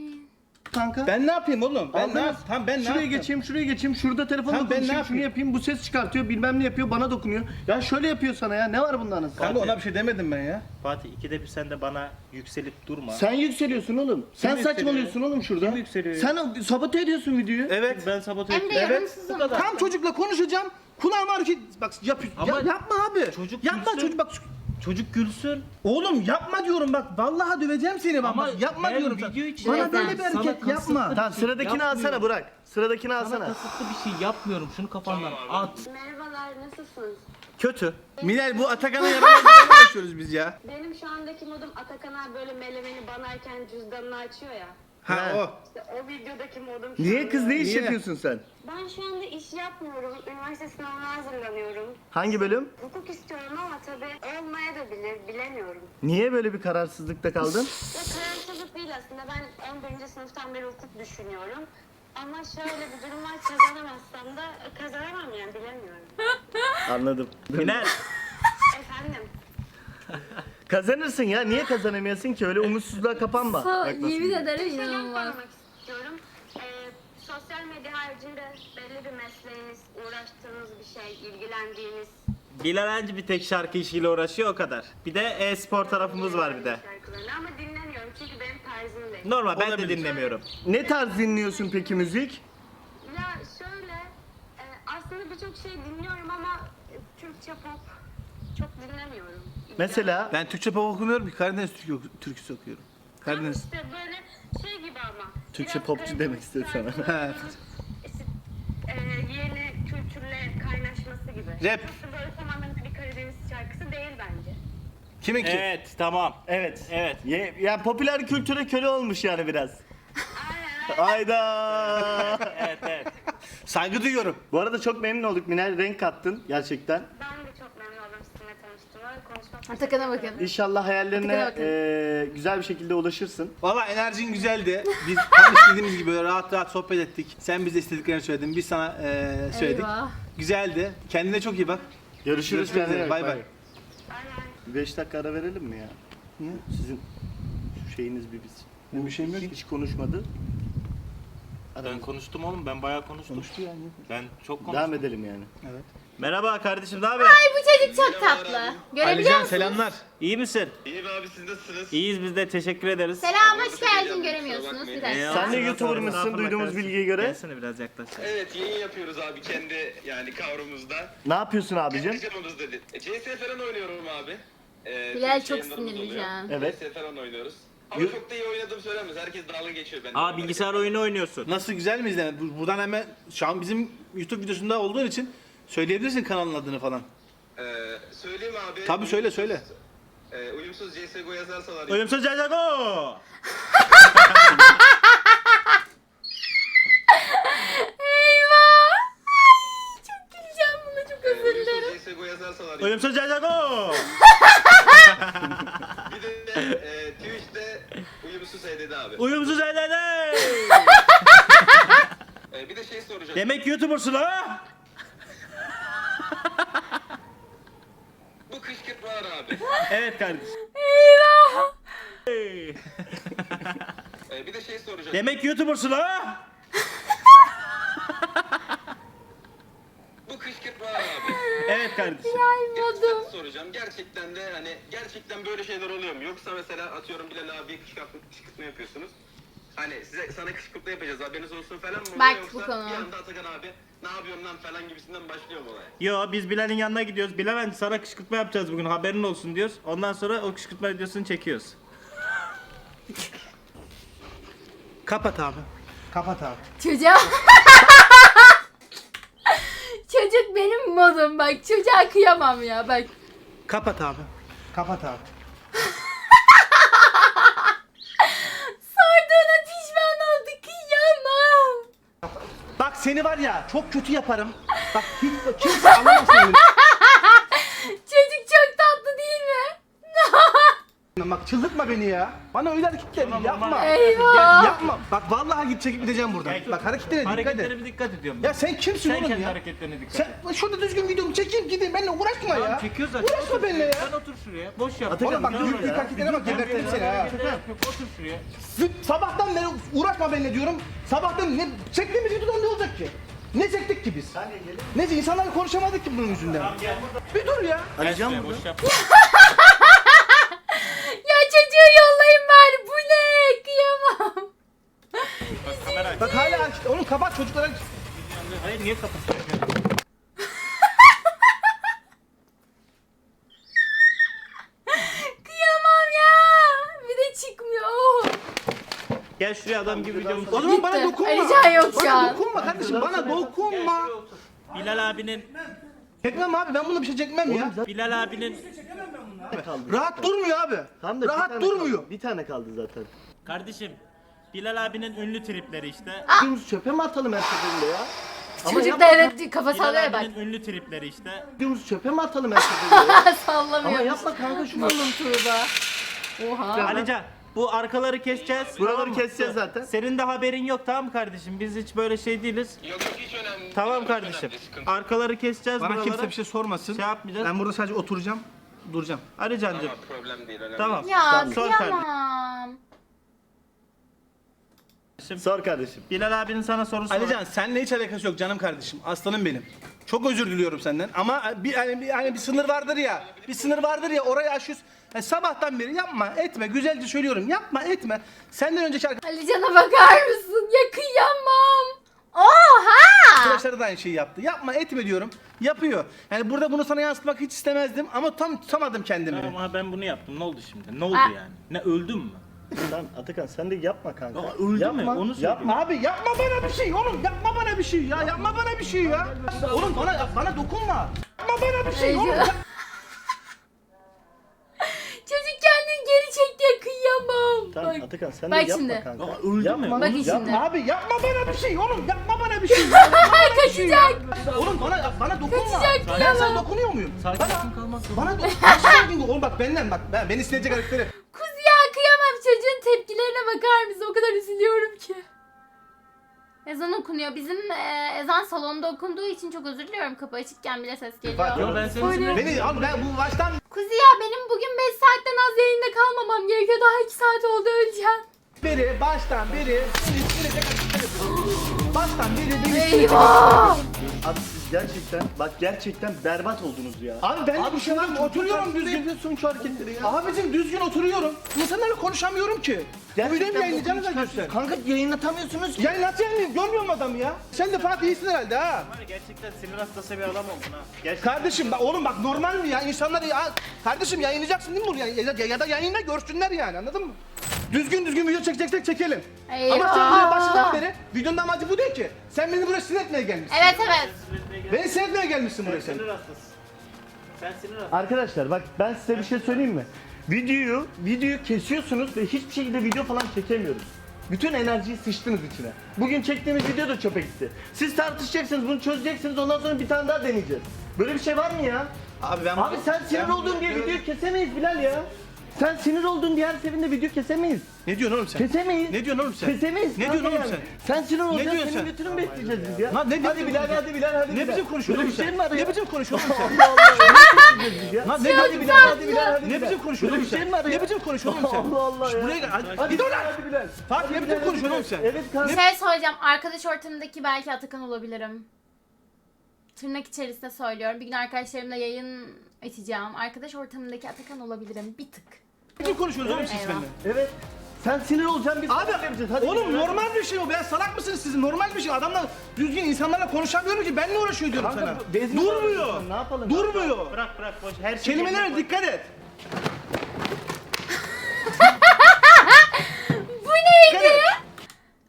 [SPEAKER 3] Kanka.
[SPEAKER 4] Ben ne yapayım oğlum? Ben ne
[SPEAKER 3] Aldınız.
[SPEAKER 4] yap? Tamam ben ne
[SPEAKER 3] Şuraya
[SPEAKER 4] yaptım?
[SPEAKER 3] geçeyim, şuraya geçeyim. Şurada telefonla
[SPEAKER 4] Tamam, ben ne
[SPEAKER 3] konuşayım, şunu
[SPEAKER 4] yapayım?
[SPEAKER 3] yapayım. Bu ses çıkartıyor, bilmem ne yapıyor, bana dokunuyor. Ya şöyle yapıyor sana ya. Ne var bunda anasını?
[SPEAKER 4] Kanka ona bir şey demedim ben ya.
[SPEAKER 2] Fatih ikide bir sen de bana yükselip durma.
[SPEAKER 3] Sen yükseliyorsun oğlum. Sen
[SPEAKER 2] yükseliyor?
[SPEAKER 3] saçmalıyorsun oğlum şurada.
[SPEAKER 2] Kim yükseliyor?
[SPEAKER 3] Sen sabote ediyorsun videoyu.
[SPEAKER 4] Evet.
[SPEAKER 2] Ben sabote
[SPEAKER 1] hem de
[SPEAKER 2] ettim.
[SPEAKER 1] yorumsuzum.
[SPEAKER 4] Tam çocukla konuşacağım. Kulağıma hareket bak yap,
[SPEAKER 2] Ama
[SPEAKER 4] ya, yapma abi.
[SPEAKER 2] çocuk
[SPEAKER 4] yapma
[SPEAKER 2] gülsün.
[SPEAKER 4] çocuk bak.
[SPEAKER 2] Çocuk gülsün.
[SPEAKER 4] Oğlum yapma diyorum bak. Vallahi döveceğim seni bak.
[SPEAKER 2] Ama
[SPEAKER 4] bak yapma
[SPEAKER 2] ben
[SPEAKER 4] diyorum sana.
[SPEAKER 2] video için-
[SPEAKER 4] Bana
[SPEAKER 1] Evet,
[SPEAKER 4] böyle
[SPEAKER 1] ben
[SPEAKER 4] bir
[SPEAKER 2] sana
[SPEAKER 4] hareket
[SPEAKER 2] kasıtlı-
[SPEAKER 4] yapma.
[SPEAKER 3] Tamam sıradakini
[SPEAKER 2] Yapmıyorum.
[SPEAKER 3] alsana Burak. Sıradakini
[SPEAKER 2] Sana
[SPEAKER 3] alsana.
[SPEAKER 2] kasıtlı bir şey yapmıyorum. Şunu kafandan at.
[SPEAKER 11] Merhabalar, nasılsınız?
[SPEAKER 2] Kötü.
[SPEAKER 4] Milal bu Atakan'a yaramazlıkla uğraşıyoruz biz ya.
[SPEAKER 11] Benim şu andaki modum Atakan abi böyle melemeni banarken cüzdanını açıyor ya.
[SPEAKER 4] Ha
[SPEAKER 3] He.
[SPEAKER 4] o.
[SPEAKER 11] İşte o videodaki modum şu
[SPEAKER 3] Niye
[SPEAKER 11] anda.
[SPEAKER 3] kız ne iş
[SPEAKER 4] Niye?
[SPEAKER 3] yapıyorsun sen?
[SPEAKER 11] Ben şu anda iş yapmıyorum. Üniversite sınavına hazırlanıyorum.
[SPEAKER 3] Hangi bölüm?
[SPEAKER 11] Hukuk istiyorum ama tabii olmaya da bilir, bilemiyorum.
[SPEAKER 3] Niye böyle bir kararsızlıkta kaldın?
[SPEAKER 11] Ya kararsızlık değil aslında. Ben on birinci sınıftan beri hukuk düşünüyorum. Ama şöyle bir durum var, kazanamazsam da kazanamam yani bilemiyorum.
[SPEAKER 3] Anladım.
[SPEAKER 2] Minel.
[SPEAKER 11] Efendim?
[SPEAKER 3] Kazanırsın ya. Niye kazanamıyorsun ki? Öyle umutsuzluğa kapanma. Bak nasıl
[SPEAKER 1] Yemin
[SPEAKER 3] gidiyor.
[SPEAKER 1] ederim
[SPEAKER 11] Şey
[SPEAKER 1] inanılmaz.
[SPEAKER 11] sormak istiyorum. Ee, sosyal medya haricinde belli bir mesleğiniz, uğraştığınız bir şey, ilgilendiğiniz
[SPEAKER 2] Bilal Hancı bir tek şarkı işiyle uğraşıyor o kadar. Bir de e-spor tarafımız var bir de.
[SPEAKER 11] şarkılarını ama dinlemiyorum çünkü benim tarzım değil.
[SPEAKER 2] Normal ben de
[SPEAKER 4] Olabilir.
[SPEAKER 2] dinlemiyorum.
[SPEAKER 3] Ne tarz dinliyorsun peki müzik?
[SPEAKER 11] Ya şöyle, e, aslında birçok şey dinliyorum ama e, Türkçe pop çok dinlemiyorum.
[SPEAKER 3] Mesela
[SPEAKER 4] Ben Türkçe pop okumuyorum ki Karadeniz türkü, türküsü okuyorum.
[SPEAKER 11] Ama
[SPEAKER 4] Karadeniz.
[SPEAKER 11] işte böyle şey gibi ama.
[SPEAKER 3] Türkçe
[SPEAKER 11] biraz
[SPEAKER 3] popçu
[SPEAKER 11] Karadeniz
[SPEAKER 3] demek istedi sana.
[SPEAKER 11] tarzı, işte, e, yeni kültürle kaynaşması gibi.
[SPEAKER 4] Rap.
[SPEAKER 11] Yoksa böyle tamamen bir Karadeniz şarkısı değil bence.
[SPEAKER 4] Kimin ki?
[SPEAKER 2] Evet tamam.
[SPEAKER 3] evet.
[SPEAKER 2] Evet.
[SPEAKER 3] Ye, ya popüler kültüre köle olmuş yani biraz. Ayda.
[SPEAKER 2] Evet evet.
[SPEAKER 4] Saygı duyuyorum.
[SPEAKER 3] Bu arada çok memnun olduk Minel. Renk kattın gerçekten.
[SPEAKER 11] Ben de çok memnun oldum sizinle tanıştığıma. Konuşmak
[SPEAKER 1] Atakan'a bakın.
[SPEAKER 3] İnşallah hayallerine
[SPEAKER 1] Hadi bakın.
[SPEAKER 3] eee, güzel bir şekilde ulaşırsın.
[SPEAKER 4] Valla enerjin güzeldi. Biz tam istediğimiz gibi böyle rahat rahat sohbet ettik. Sen bize istediklerini söyledin. Biz sana eee, söyledik.
[SPEAKER 1] Eyvah.
[SPEAKER 4] Güzeldi. Kendine çok iyi bak.
[SPEAKER 3] Görüşürüz.
[SPEAKER 4] Görüşmek üzere,
[SPEAKER 3] kendine
[SPEAKER 4] bay
[SPEAKER 3] bak,
[SPEAKER 4] bay.
[SPEAKER 11] Bay bay.
[SPEAKER 3] beş dakika ara verelim mi ya?
[SPEAKER 4] Niye?
[SPEAKER 3] Sizin şu şeyiniz bir biz.
[SPEAKER 4] Benim bir şeyim yok ki.
[SPEAKER 3] Hiç konuşmadı.
[SPEAKER 2] Ben konuştum oğlum ben bayağı konuştum.
[SPEAKER 4] Konuştu yani.
[SPEAKER 2] Ben çok konuştum.
[SPEAKER 3] Devam edelim yani.
[SPEAKER 2] Merhaba kardeşim ne haber?
[SPEAKER 1] Ay bu çocuk çok tatlı. Görebiliyor musunuz?
[SPEAKER 4] selamlar.
[SPEAKER 2] İyi misin?
[SPEAKER 10] İyiyim abi, siz nasılsınız?
[SPEAKER 2] İyiyiz biz de teşekkür ederiz.
[SPEAKER 1] Selam hoş geldin göremiyorsunuz. Bir dakika.
[SPEAKER 2] Eyvallah.
[SPEAKER 3] Sen de YouTuber
[SPEAKER 2] Estağfurullah,
[SPEAKER 3] mısın
[SPEAKER 2] estağfurullah
[SPEAKER 3] duyduğumuz
[SPEAKER 2] kardeşim.
[SPEAKER 3] bilgiye göre?
[SPEAKER 2] Gelsene biraz yaklaş.
[SPEAKER 10] Evet, yayın yapıyoruz abi kendi yani kavrumuzda.
[SPEAKER 3] Ne yapıyorsun abicim?
[SPEAKER 10] Kendi canımızda dedi. E, C S falan oynuyorum abi. E,
[SPEAKER 1] Bilal
[SPEAKER 10] Twitch
[SPEAKER 1] çok
[SPEAKER 10] yayınlarımız
[SPEAKER 1] sinirli
[SPEAKER 10] oluyor.
[SPEAKER 1] şu an.
[SPEAKER 3] Evet.
[SPEAKER 10] C S falan oynuyoruz. Ama
[SPEAKER 3] Yo-
[SPEAKER 10] çok da iyi oynadığım söylemez. Herkes dalga geçiyor benden.
[SPEAKER 2] Aa bilgisayar oyunu oynuyorsun.
[SPEAKER 4] Nasıl güzel mi izleme? Bu- Buradan hemen şu an bizim YouTube videosunda olduğun için söyleyebilirsin kanalın adını falan.
[SPEAKER 10] Ee, söyleyeyim abi.
[SPEAKER 4] Tabii söyle söyle.
[SPEAKER 10] E, uyumsuz C S G O yazarsalar.
[SPEAKER 2] Uyumsuz Cacago.
[SPEAKER 1] Eyvah. Ay, çok güleceğim buna çok
[SPEAKER 10] e,
[SPEAKER 1] özür dilerim.
[SPEAKER 10] Uyumsuz C S G O yazarsalar.
[SPEAKER 2] Uyumsuz Cacago.
[SPEAKER 10] Bir de e, Twitch'te uyumsuz E dedi abi.
[SPEAKER 2] Uyumsuz Cacago.
[SPEAKER 10] E, bir de şey soracağım.
[SPEAKER 2] Demek YouTuber'sın ha?
[SPEAKER 10] Bu kışkırtmalar abi.
[SPEAKER 2] Evet kardeşim.
[SPEAKER 1] Eyvah.
[SPEAKER 10] E, bir de şey soracağım.
[SPEAKER 2] Demek YouTuber'sın ha?
[SPEAKER 10] Bu kışkırtmalar abi.
[SPEAKER 2] Evet kardeşim.
[SPEAKER 1] Ay modum.
[SPEAKER 10] Gerçekten soracağım. Gerçekten de hani gerçekten böyle şeyler oluyor mu? Yoksa mesela atıyorum Bilal abi kışkırtma, kışkırtma yapıyorsunuz. Hani size sana kışkırtma yapacağız haberiniz olsun falan mı oluyor?
[SPEAKER 1] Bak
[SPEAKER 10] Yoksa
[SPEAKER 1] bu konu.
[SPEAKER 10] bir anda Atakan abi ne yapıyorsun lan falan gibisinden başlıyor mu olay?
[SPEAKER 2] Yo biz Bilal'in yanına gidiyoruz. Bilal Hancı sana kışkırtma yapacağız bugün haberin olsun diyoruz. Ondan sonra o kışkırtma videosunu çekiyoruz.
[SPEAKER 3] Kapat abi. Kapat abi.
[SPEAKER 1] Çocuğa... Çocuk benim modum bak. Çocuğa kıyamam ya bak.
[SPEAKER 3] Kapat abi. Kapat abi.
[SPEAKER 1] Sorduğuna pişman oldu, kıyamam.
[SPEAKER 3] Bak seni var ya çok kötü yaparım. Bak hiç kimse anlamasın beni.
[SPEAKER 1] Çocuk çok tatlı değil mi?
[SPEAKER 3] Bak çıldırtma beni ya. Bana öyle hareketler yapma.
[SPEAKER 1] Eyvah.
[SPEAKER 3] Yapma. Bak vallahi git çekip gideceğim buradan. Bak hareketlere dikkat et.
[SPEAKER 2] Hareketlerime dikkat ediyorum.
[SPEAKER 3] Ya sen kimsin
[SPEAKER 2] Sen
[SPEAKER 3] oğlum
[SPEAKER 2] kendi
[SPEAKER 3] ya?
[SPEAKER 2] hareketlerine dikkat et.
[SPEAKER 3] Sen şurada düzgün videomu çekeyim gideyim benimle uğraşma
[SPEAKER 2] Tamam,
[SPEAKER 3] ya.
[SPEAKER 2] çekiyoruz zaten.
[SPEAKER 3] Uğraşma
[SPEAKER 2] Otur
[SPEAKER 3] benimle
[SPEAKER 2] şuraya.
[SPEAKER 3] ya.
[SPEAKER 2] Sen otur şuraya. Boş yap.
[SPEAKER 3] Oğlum bak büyük büyük hareketlere bak gebertirim seni ha.
[SPEAKER 2] Otur şuraya.
[SPEAKER 3] Sabahtan beri uğraşma benimle diyorum. Sabahtan ne çektiğimiz videodan ne olacak ki? Ne çektik ki biz? Neyse insanlarla konuşamadık ki bunun yüzünden. Bir dur ya.
[SPEAKER 2] Arayacağım bunu. Boş yap.
[SPEAKER 1] Ya çocuğu yollayın bari. Bu ne? Kıyamam.
[SPEAKER 2] Bak kamera aç.
[SPEAKER 3] Bak hala hareket. Oğlum kapat çocuklara.
[SPEAKER 2] Hayır niye kapatıyorsun?
[SPEAKER 1] Kıyamam ya. Bir de çıkmıyor. Oh.
[SPEAKER 2] Gel şuraya adam gibi videomu.
[SPEAKER 3] O zaman bana
[SPEAKER 1] Gitti.
[SPEAKER 3] dokunma.
[SPEAKER 1] Alican yok şu
[SPEAKER 3] Bana
[SPEAKER 1] an.
[SPEAKER 3] dokunma kardeşim. Bana dokunma.
[SPEAKER 2] Bilal abinin
[SPEAKER 3] Çekmem abi ben bunu bir şey çekmem ya.
[SPEAKER 2] Bilal abinin
[SPEAKER 3] Rahat durmuyor abi. Rahat durmuyor.
[SPEAKER 12] Bir tane kaldı zaten.
[SPEAKER 2] kardeşim Bilal abinin ünlü tripleri işte.
[SPEAKER 12] Dümdüz çöpe mi atalım her seferinde ya?
[SPEAKER 1] Çocuk da evet kafa
[SPEAKER 2] Bilal
[SPEAKER 1] sallıyor bak.
[SPEAKER 2] abinin ünlü tripleri işte.
[SPEAKER 12] Dümdüz çöpe mi atalım her seferinde ya?
[SPEAKER 1] Sallamıyor.
[SPEAKER 12] Ama yapma kanka şunu.
[SPEAKER 1] Oğlum Tuğba. Oha.
[SPEAKER 2] Alican bu arkaları keseceğiz.
[SPEAKER 12] Buraları
[SPEAKER 2] tamam mı?
[SPEAKER 12] keseceğiz zaten.
[SPEAKER 2] Senin de haberin yok tamam mı kardeşim? Biz hiç böyle şey değiliz.
[SPEAKER 10] Yok yok hiç önemli değil.
[SPEAKER 2] Tamam
[SPEAKER 10] Hiç
[SPEAKER 2] kardeşim.
[SPEAKER 10] önemli, sıkıntı yok.
[SPEAKER 2] Arkaları keseceğiz
[SPEAKER 3] Bana
[SPEAKER 2] buraları.
[SPEAKER 3] kimse bir şey sormasın.
[SPEAKER 2] Şey yapmayacağız.
[SPEAKER 3] Ben burada sadece oturacağım. Duracağım.
[SPEAKER 2] Alicancığım.
[SPEAKER 10] Tamam problem değil önemli.
[SPEAKER 2] Tamam.
[SPEAKER 1] Ya
[SPEAKER 2] Sor kardeşim.
[SPEAKER 1] kıyamam.
[SPEAKER 12] Sor kardeşim.
[SPEAKER 2] Bilal abinin sana sorusu var.
[SPEAKER 3] Alican seninle hiç alakası yok canım kardeşim. Aslanım benim. Çok özür diliyorum senden ama bir hani bir, hani bir sınır vardır ya. Bir sınır vardır ya orayı aşıyorsun. Yani sabahtan beri yapma etme güzelce söylüyorum yapma etme. Senden önceki
[SPEAKER 1] Alican'a bakar mısın? Ya kıyamam. Oha.
[SPEAKER 3] arkadaşları da aynı şeyi yaptı. Yapma etme diyorum. Yapıyor. Yani burada bunu sana yansıtmak hiç istemezdim ama tam tutamadım kendimi.
[SPEAKER 2] Ama ben bunu yaptım. Ne oldu şimdi? Ne oldu
[SPEAKER 1] Ha.
[SPEAKER 2] yani? Ne öldüm mü?
[SPEAKER 12] Lan Atakan sen de yapma kanka.
[SPEAKER 2] Ya öldü
[SPEAKER 12] yapma.
[SPEAKER 2] mü? Onu söyle.
[SPEAKER 3] Yapma abi yapma bana bir şey oğlum yapma bana bir şey ya yapma bana bir şey ya. Oğlum bana bana dokunma. Yapma bana bir şey oğlum.
[SPEAKER 1] Çocuk kendini geri çekti ya kıyamam.
[SPEAKER 12] Tamam
[SPEAKER 1] Bak.
[SPEAKER 12] Atakan sen de
[SPEAKER 1] Bak
[SPEAKER 12] yapma
[SPEAKER 1] şimdi.
[SPEAKER 12] kanka.
[SPEAKER 2] Ya öldü
[SPEAKER 12] yapma.
[SPEAKER 2] mü?
[SPEAKER 1] Bak
[SPEAKER 12] Onu
[SPEAKER 1] şimdi.
[SPEAKER 12] yapma.
[SPEAKER 3] Abi yapma bana bir şey oğlum yapma bana bir şey. Ya, yapma bana bir şey ya.
[SPEAKER 1] Kaçacak.
[SPEAKER 3] Oğlum bana bana dokunma.
[SPEAKER 1] Kaçacak
[SPEAKER 3] Ben
[SPEAKER 1] ya.
[SPEAKER 3] sana dokunuyor muyum?
[SPEAKER 2] Sakin
[SPEAKER 3] Bana
[SPEAKER 2] kalmak
[SPEAKER 3] bana do- Nasıl sakin oğlum bak benden bak ben beni silecek hareketleri.
[SPEAKER 1] Kuz ya kıyamam, çocuğun tepkilerine bakar mısın? O kadar üzülüyorum ki. Ezan okunuyor. Bizim e, ezan salonda okunduğu için çok özür diliyorum. Kapı açıkken bile ses geliyor.
[SPEAKER 2] Yo, ben seni
[SPEAKER 1] Buyurun.
[SPEAKER 2] sinirlendim.
[SPEAKER 3] Beni al ben bu baştan
[SPEAKER 1] Kuzi ya benim bugün beş saatten az yayında kalmamam gerekiyor. Daha iki saat oldu, öleceğim.
[SPEAKER 3] beri baştan beri beni silecek hareketleri yapıyorsun. Baştan beri beni silecek
[SPEAKER 1] Eyvah!
[SPEAKER 12] Abi siz gerçekten bak gerçekten berbat oldunuz ya.
[SPEAKER 3] Abi ben
[SPEAKER 12] Abi
[SPEAKER 3] bir şey var mı? Oturuyorum
[SPEAKER 12] düzgün
[SPEAKER 3] düzgün.
[SPEAKER 12] yapıyorsun şu hareketleri ya.
[SPEAKER 3] Abicim düzgün oturuyorum. İnsanlarla konuşamıyorum ki.
[SPEAKER 12] Gerçekten
[SPEAKER 3] Öyle mi yayınlayacağını da göster.
[SPEAKER 12] Kanka yayınlatamıyorsunuz ki.
[SPEAKER 3] Ya nasıl yayınlayayım? Görmüyor musun adamı ya? Sen de Fatih iyisin herhalde ha.
[SPEAKER 2] Gerçekten sinir hastası bir adam oldun ha. Gerçekten.
[SPEAKER 3] Kardeşim bak oğlum bak normal mi ya? İnsanlar ya kardeşim yayınlayacaksın değil mi bunu? Ya, ya, ya da yayınla görsünler yani anladın mı? Düzgün düzgün video çekeceksek çekelim.
[SPEAKER 1] Eyvah!
[SPEAKER 3] Ama sen buraya başından beri videonun amacı bu değil ki. Sen beni buraya sinir etmeye gelmişsin.
[SPEAKER 1] Evet evet.
[SPEAKER 3] Beni sinir etmeye gelmişsin buraya sen.
[SPEAKER 2] Sinir hastası. Sen sinir hastası.
[SPEAKER 12] Arkadaşlar bak ben size bir şey söyleyeyim mi? Videoyu, videoyu kesiyorsunuz ve hiçbir şekilde video falan çekemiyoruz. Bütün enerjiyi sıçtınız içine. Bugün çektiğimiz video da çöpe gitti. Siz tartışacaksınız, bunu çözeceksiniz, ondan sonra bir tane daha deneyeceğiz. Böyle bir şey var mı ya?
[SPEAKER 3] Abi ben
[SPEAKER 12] Abi sen sinir olduğun diye videoyu kesemeyiz Bilal ya. Sen sinir olduğun diğer seferinde video kesemeyiz.
[SPEAKER 3] Ne diyorsun oğlum sen?
[SPEAKER 12] Kesemeyiz.
[SPEAKER 3] Ne diyorsun oğlum sen?
[SPEAKER 12] Kesemeyiz.
[SPEAKER 3] Ne
[SPEAKER 12] kanka
[SPEAKER 3] diyorsun oğlum
[SPEAKER 12] yani.
[SPEAKER 3] sen?
[SPEAKER 12] Sen sinir olacaksın,
[SPEAKER 3] diyorsun
[SPEAKER 12] senin
[SPEAKER 3] sen?
[SPEAKER 12] götünü mü besleyeceğiz biz ya?
[SPEAKER 3] Lan ne
[SPEAKER 12] hadi
[SPEAKER 3] biçim
[SPEAKER 12] Bilal,
[SPEAKER 3] konuşuyorsun?
[SPEAKER 12] hadi Bilal, hadi
[SPEAKER 3] Ne
[SPEAKER 12] Bilal.
[SPEAKER 3] biçim konuşuyorsun
[SPEAKER 12] Böyle
[SPEAKER 3] oğlum
[SPEAKER 12] bir şey
[SPEAKER 3] sen?
[SPEAKER 12] mi var ya?
[SPEAKER 3] Ne biçim konuşuyorsun oğlum sen?
[SPEAKER 12] Allah Allah, ne besleyeceğiz biz ya?
[SPEAKER 3] Lan ne
[SPEAKER 12] Hadi
[SPEAKER 3] biçim
[SPEAKER 12] Bilal, hadi Bilal, hadi
[SPEAKER 3] Ne
[SPEAKER 12] Bilal.
[SPEAKER 3] biçim konuşuyorsun
[SPEAKER 12] Böyle
[SPEAKER 3] oğlum
[SPEAKER 12] bir şey
[SPEAKER 3] sen?
[SPEAKER 12] mi var ya?
[SPEAKER 3] Ne biçim konuşuyorsun oğlum sen?
[SPEAKER 12] Allah Allah ya.
[SPEAKER 3] Buraya gel. Hadi,
[SPEAKER 12] Hadi
[SPEAKER 3] bir dur
[SPEAKER 12] Bilal,
[SPEAKER 3] lan.
[SPEAKER 12] hadi Bilal.
[SPEAKER 3] Fatih ne biçim konuşuyorsun oğlum sen?
[SPEAKER 12] Evet kanka.
[SPEAKER 1] Şey söyleyeceğim. Arkadaş ortamındaki belki Atakan olabilirim. Tırnak içerisinde söylüyorum. Bir gün arkadaşlarımla yayın açacağım. Arkadaş ortamındaki Atakan olabilirim. Bir tık.
[SPEAKER 3] Ne biçim konuşuyorsunuz oğlum siz
[SPEAKER 1] Eyvah.
[SPEAKER 3] benimle?
[SPEAKER 12] Evet. Sen sinir olacaksın biz
[SPEAKER 3] Abi
[SPEAKER 12] sana vereceğiz. Hadi
[SPEAKER 3] oğlum
[SPEAKER 12] Bilal.
[SPEAKER 3] normal bir şey o. Ben salak mısınız siz? Normal bir şey. Adamla düzgün insanlarla konuşamıyorum ki. Benle uğraşıyor diyorum
[SPEAKER 12] Kanka,
[SPEAKER 3] sana.
[SPEAKER 12] bu bezmi
[SPEAKER 3] Durmuyor.
[SPEAKER 12] var. Ne yapalım?
[SPEAKER 3] Durmuyor.
[SPEAKER 2] Bırak bırak boş. Her şey
[SPEAKER 3] Kelimelere dikkat et.
[SPEAKER 1] Bu neydi?
[SPEAKER 3] Dikkat et.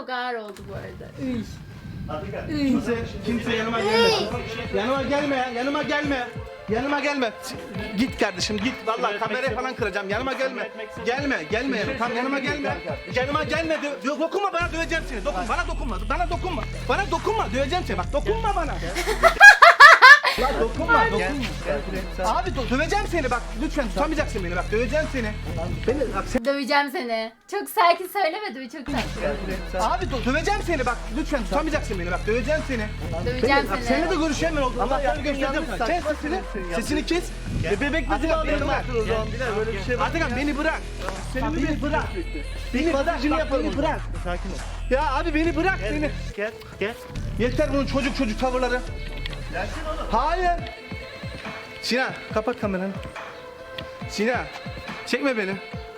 [SPEAKER 1] çok ağır oldu bu arada. Üy. Üy.
[SPEAKER 4] Kimse, kimse yanıma gelme. Yanıma gelme ya, yanıma gelme. Yanıma gelme. Git kardeşim git. Vallahi kamerayı falan kıracağım. Yanıma gelme. Gelme, gelme. yanıma. Tam yanıma gelme. Yanıma gelme. Dö- dö- dokunma bana, döveceğim seni. Dokun, bana dokunma. Bana dokunma. Bana dokunma, döveceğim seni. Bak dokunma bana. Lan dokunma, dokunma. Abi dö- döveceğim seni bak. Lütfen tutamayacaksın beni bak. Döveceğim seni. Beni bak sen...
[SPEAKER 1] Döveceğim seni. Çok sakin söylemedi mi? Çok sakin.
[SPEAKER 4] Abi dö- döveceğim seni bak. Lütfen tutamayacaksın beni bak. Döveceğim seni.
[SPEAKER 1] Döveceğim
[SPEAKER 4] Bak
[SPEAKER 1] seni.
[SPEAKER 4] seninle de görüşemem oldu.
[SPEAKER 12] Ama
[SPEAKER 4] Ama
[SPEAKER 12] sen
[SPEAKER 4] göstereceğim
[SPEAKER 12] yanlış
[SPEAKER 4] sana. Kes
[SPEAKER 12] saçma
[SPEAKER 4] sesini.
[SPEAKER 12] söylüyorsun ya.
[SPEAKER 4] Sesini kes.
[SPEAKER 12] E bebek bizi
[SPEAKER 4] Atakan, beni
[SPEAKER 12] bağlayalım
[SPEAKER 4] bırak.
[SPEAKER 12] artık o zaman. Bilal böyle bir şey var.
[SPEAKER 4] Atakan beni bırak.
[SPEAKER 12] Senin
[SPEAKER 4] beni bırak.
[SPEAKER 12] Beni
[SPEAKER 4] Beni
[SPEAKER 12] bırak.
[SPEAKER 4] bırak. Beni bırak.
[SPEAKER 2] Sakin ol.
[SPEAKER 4] Ya abi beni bırak beni.
[SPEAKER 2] Gel, gel.
[SPEAKER 4] Yeter bunun çocuk çocuk tavırları. Hayır. Sinan kapat kameranı. Sinan çekme beni.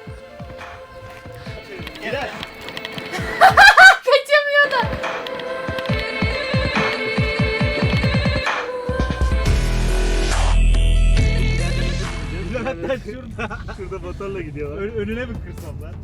[SPEAKER 1] Kaçamıyor da.
[SPEAKER 2] Hatta şurada.
[SPEAKER 12] Şurada motorla gidiyorlar.
[SPEAKER 2] Ön- önüne mi kırsam lan?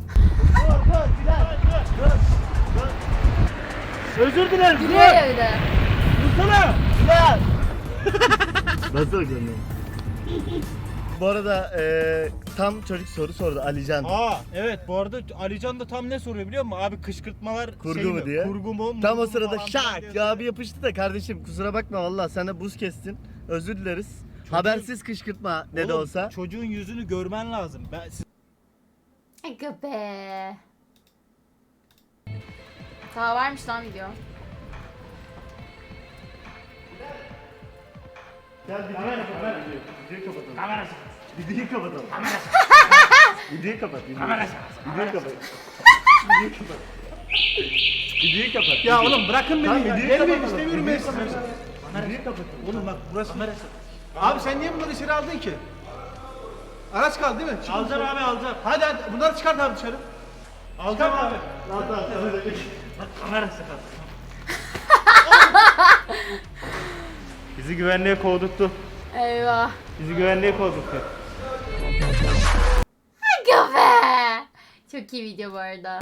[SPEAKER 12] Özür dilerim.
[SPEAKER 1] Gülüyor ya bir de.
[SPEAKER 12] Dursana. Bilal. Nasıl gönlüm? Bu arada eee tam çocuk soru sordu Alican.
[SPEAKER 2] Aa evet bu arada Alican da tam ne soruyor biliyor musun? Abi kışkırtmalar
[SPEAKER 12] Kurgu
[SPEAKER 2] şey
[SPEAKER 12] mu
[SPEAKER 2] mi?
[SPEAKER 12] diye.
[SPEAKER 2] Kurgu mu?
[SPEAKER 12] Tam o
[SPEAKER 2] murgu mu
[SPEAKER 12] sırada
[SPEAKER 2] falan filan
[SPEAKER 12] şak
[SPEAKER 2] diye
[SPEAKER 12] ya bir yapıştı da kardeşim kusura bakma vallahi sen de buz kestin. Özür dileriz. Habersiz kışkırtma ne de
[SPEAKER 2] Oğlum,
[SPEAKER 12] olsa.
[SPEAKER 2] çocuğun yüzünü görmen lazım. Ben siz-
[SPEAKER 1] Aga be. Daha varmış lan video.
[SPEAKER 12] Gel videoyu kapat. Videoyu kapatalım. Kamerası. Videoyu kapatalım. Videoyu kapat. Kamerası. Videoyu kapat. Videoyu kapat. Videoyu kapat.
[SPEAKER 4] Ya oğlum bırakın
[SPEAKER 12] Tamam,
[SPEAKER 4] beni ya.
[SPEAKER 12] videoyu
[SPEAKER 4] Gelmeyin
[SPEAKER 12] kapatalım.
[SPEAKER 4] istemiyorum ben
[SPEAKER 12] Videoyu
[SPEAKER 4] sizi.
[SPEAKER 12] kapatalım. Videoyu kapatalım.
[SPEAKER 2] Oğlum bak burası.
[SPEAKER 4] Abi sen niye bunları içeri aldın ki? Araç kaldı değil mi? Çıkın
[SPEAKER 2] Alacağım
[SPEAKER 4] dışarı.
[SPEAKER 2] abi alacağım.
[SPEAKER 4] Hadi hadi bunları çıkart abi dışarı.
[SPEAKER 2] Alacağım abi.
[SPEAKER 12] Tamam tamam tamam.
[SPEAKER 2] Kamerası kaldı. Bizi güvenliğe kovdurttu.
[SPEAKER 1] Eyvah.
[SPEAKER 2] Bizi güvenliğe kovdurttu.
[SPEAKER 1] Aga be. Çok iyi video bu arada.